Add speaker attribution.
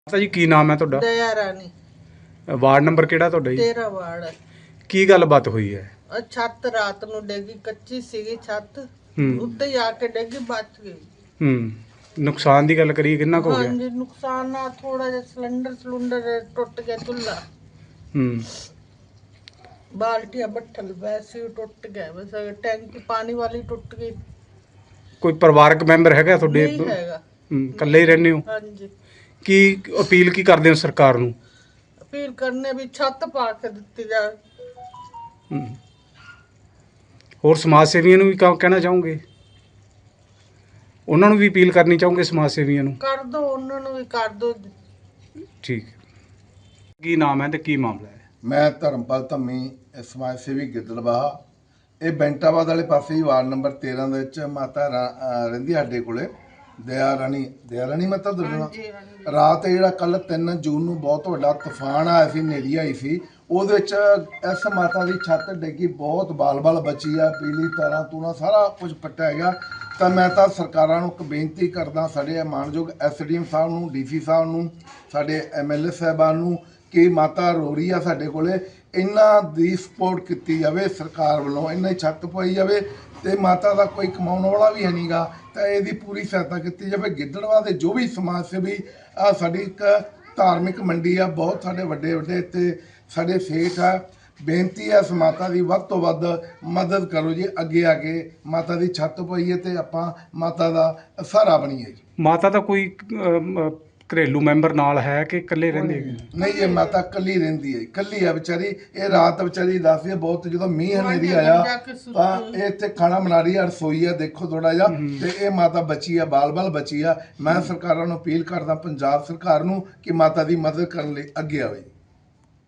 Speaker 1: ਮਾਤਾ ਜੀ ਕੀ ਨਾਮ ਹੈ ਤੁਹਾਡਾ?
Speaker 2: ਦਇਆ ਰਾਣੀ
Speaker 1: ਵਾਰਡ ਨੰਬਰ ਕਿਹੜਾ ਤੁਹਾਡਾ ਜੀ?
Speaker 2: 13 ਵਾਰਡ ਹੈ।
Speaker 1: ਕੀ ਗੱਲਬਾਤ ਹੋਈ ਹੈ?
Speaker 2: ਛੱਤ ਰਾਤ ਨੂੰ ਡੇਗੀ, ਕੱਚੀ ਸੀਗੀ ਛੱਤ,
Speaker 1: ਹੂੰ
Speaker 2: ਉੱਤੇ ਹੀ ਆ ਕੇ ਡੇਗੀ, ਬਚ ਗਈ।
Speaker 1: ਹੂੰ ਨੁਕਸਾਨ ਦੀ ਗੱਲ ਕਰੀਏ ਕਿੰਨਾ ਕੁ ਹੋ ਗਿਆ?
Speaker 2: ਹਾਂਜੀ, ਨੁਕਸਾਨ ਨਾ ਥੋੜਾ ਜਿਹਾ ਸਿਲੰਡਰ ਟੁੱਟ ਗਿਆ, ਚੁੱਲ੍ਹਾ
Speaker 1: ਹੂੰ
Speaker 2: ਬਾਲਟੀਆਂ ਬੱਠਲ ਵੈਸੇ ਹੀ ਟੁੱਟ ਗਿਆ, ਬਸ ਟੈਂਕੀ ਪਾਣੀ ਵਾਲੀ ਟੁੱਟ ਗਈ।
Speaker 1: ਕੋਈ ਪਰਿਵਾਰਕ ਮੈਂਬਰ ਹੈਗਾ ਤੁਹਾਡੇ?
Speaker 2: ਨਹੀਂ ਹੈਗਾ।
Speaker 1: ਇਕੱਲੇ ਹੀ ਰਹਿੰਦੇ ਹੋ?
Speaker 2: ਹਾਂਜੀ,
Speaker 1: ਕੀ ਅਪੀਲ ਕੀ ਕਰਦੇ ਹੋ ਸਰਕਾਰ ਨੂੰ?
Speaker 2: ਅਪੀਲ ਕਰਨੇ ਵੀ ਛੱਤ ਪਾ ਕੇ ਦਿੱਤੀ ਜਾਵੇ।
Speaker 1: ਹੂੰ। ਹੋਰ ਸਮਾਜ ਸੇਵੀਆਂ ਨੂੰ ਵੀ ਕਹਿਣਾ ਚਾਹੋਗੇ? ਉਹਨਾਂ ਨੂੰ ਵੀ ਅਪੀਲ ਕਰਨੀ ਚਾਹੋਗੇ ਸਮਾਜ ਸੇਵੀਆਂ ਨੂੰ?
Speaker 2: ਕਰ ਦੋ, ਉਹਨਾਂ ਨੂੰ ਵੀ ਕਰ ਦੋ।
Speaker 1: ਠੀਕ ਹੈ। ਕੀ ਨਾਮ ਹੈ ਤੇ ਕੀ ਮਾਮਲਾ ਹੈ?
Speaker 3: ਮੈਂ ਧਰਮਪਾਲ ਧੰਮੀ, ਸਮਾਜ ਸੇਵੀ ਗਿੱਦੜਬਾਹਾ। ਇਹ ਬੈਂਟਾਬਾਦ ਵਾਲੇ ਪਾਸੇ ਹੀ ਵਾਰਡ ਨੰਬਰ 13 ਦੇ ਵਿੱਚ ਮਾਤਾ ਰਹਿੰਦੀ ਸਾਡੇ ਕੋਲੇ, ਦਇਆ ਰਾਣੀ ਮਾਤਾ ਦੁਰਨਾ। ਰਾਤ ਜਿਹੜਾ ਕੱਲ 3 ਜੂਨ ਨੂੰ ਬਹੁਤ ਵੱਡਾ ਤੂਫਾਨ ਆਇਆ ਸੀ, ਹਨੇਰੀ ਆਈ ਸੀ, ਉਹਦੇ ਵਿੱਚ ਇਸ ਮਾਤਾ ਦੀ ਛੱਤ ਡਿੱਗੀ, ਬਹੁਤ ਬਾਲ ਬਚੀ ਆ, ਪੀਲੀ ਤਾਰਾਂ ਤੂਰਾਂ ਸਾਰਾ ਕੁਝ ਪੱਟਿਆ ਗਿਆ। ਤਾਂ ਮੈਂ ਤਾਂ ਸਰਕਾਰਾਂ ਨੂੰ ਇੱਕ ਬੇਨਤੀ ਕਰਦਾ, ਸਾਡੇ ਮਾਣਯੋਗ SDM ਸਾਹਿਬ ਨੂੰ, DC ਸਾਹਿਬ ਨੂੰ, ਸਾਡੇ MLA ਸਾਹਿਬਾਨ ਨੂੰ, ਕਿ ਮਾਤਾ ਰੋ ਰਹੀ ਆ ਸਾਡੇ ਕੋਲੇ, ਇਹਨਾਂ ਦੀ ਸਪੋਰਟ ਕੀਤੀ ਜਾਵੇ ਸਰਕਾਰ ਵੱਲੋਂ, ਇਹਨਾਂ ਦੀ ਛੱਤ ਪਾਈ ਜਾਵੇ। ਤੇ ਮਾਤਾ ਦਾ ਕੋਈ ਕਮਾਉਣ ਵਾਲਾ ਵੀ ਹੈ ਨਹੀਂਗਾ, ਤਾਂ ਇਹਦੀ ਪੂਰੀ ਸਹਾਇਤਾ ਕੀਤੀ ਜਾਵੇ। ਗਿੱਦੜਬਾਹਾ ਦੇ ਜੋ ਵੀ ਸਮਾਜ ਸੇਵੀ, ਆ ਸਾਡੀ ਇੱਕ ਧਾਰਮਿਕ ਮੰਡੀ ਆ, ਬਹੁਤ ਸਾਡੇ ਵੱਡੇ ਇੱਥੇ ਸਾਡੇ ਸੇਠ ਆ, ਬੇਨਤੀ ਹੈ ਇਸ ਮਾਤਾ ਦੀ ਵੱਧ ਤੋਂ ਵੱਧ ਮਦਦ ਕਰੋ ਜੀ। ਅੱਗੇ ਆ ਕੇ ਮਾਤਾ ਦੀ ਛੱਤ ਪਾਈਏ ਤੇ ਆਪਾਂ ਮਾਤਾ ਦਾ ਸਹਾਰਾ ਬਣੀਏ ਜੀ।
Speaker 1: ਮਾਤਾ ਦਾ ਕੋਈ ਘਰੇਲੂ ਮੈਂਬਰ ਨਾਲ ਹੈ ਕਿ ਇਕੱਲੇ ਰਹਿੰਦੇ ਹੈਗੇ?
Speaker 3: ਨਹੀਂ, ਇਹ ਮਾਤਾ ਇਕੱਲੀ ਰਹਿੰਦੀ ਹੈ, ਇਕੱਲੀ ਆ ਵਿਚਾਰੀ। ਇਹ ਰਾਤ ਵਿਚਾਰੀ ਦੱਸਦੀ ਹੈ, ਬਹੁਤ ਜਦੋਂ ਮੀਂਹ ਹਨੇਰੀ ਆਇਆ ਤਾਂ ਇਹ ਇੱਥੇ ਖਾਣਾ ਬਣਾ ਰਹੀ ਆ, ਰਸੋਈ ਆ, ਦੇਖੋ ਥੋੜਾ ਜਿਹਾ, ਤੇ ਇਹ ਮਾਤਾ ਬਚੀ ਆ, ਬਾਲ ਬਚੀ ਆ। ਮੈਂ ਸਰਕਾਰਾਂ ਨੂੰ ਅਪੀਲ ਕਰਦਾ, ਪੰਜਾਬ ਸਰਕਾਰ ਨੂੰ, ਕਿ ਮਾਤਾ ਦੀ ਮਦਦ ਕਰਨ ਲਈ ਅੱਗੇ ਆਵੇ।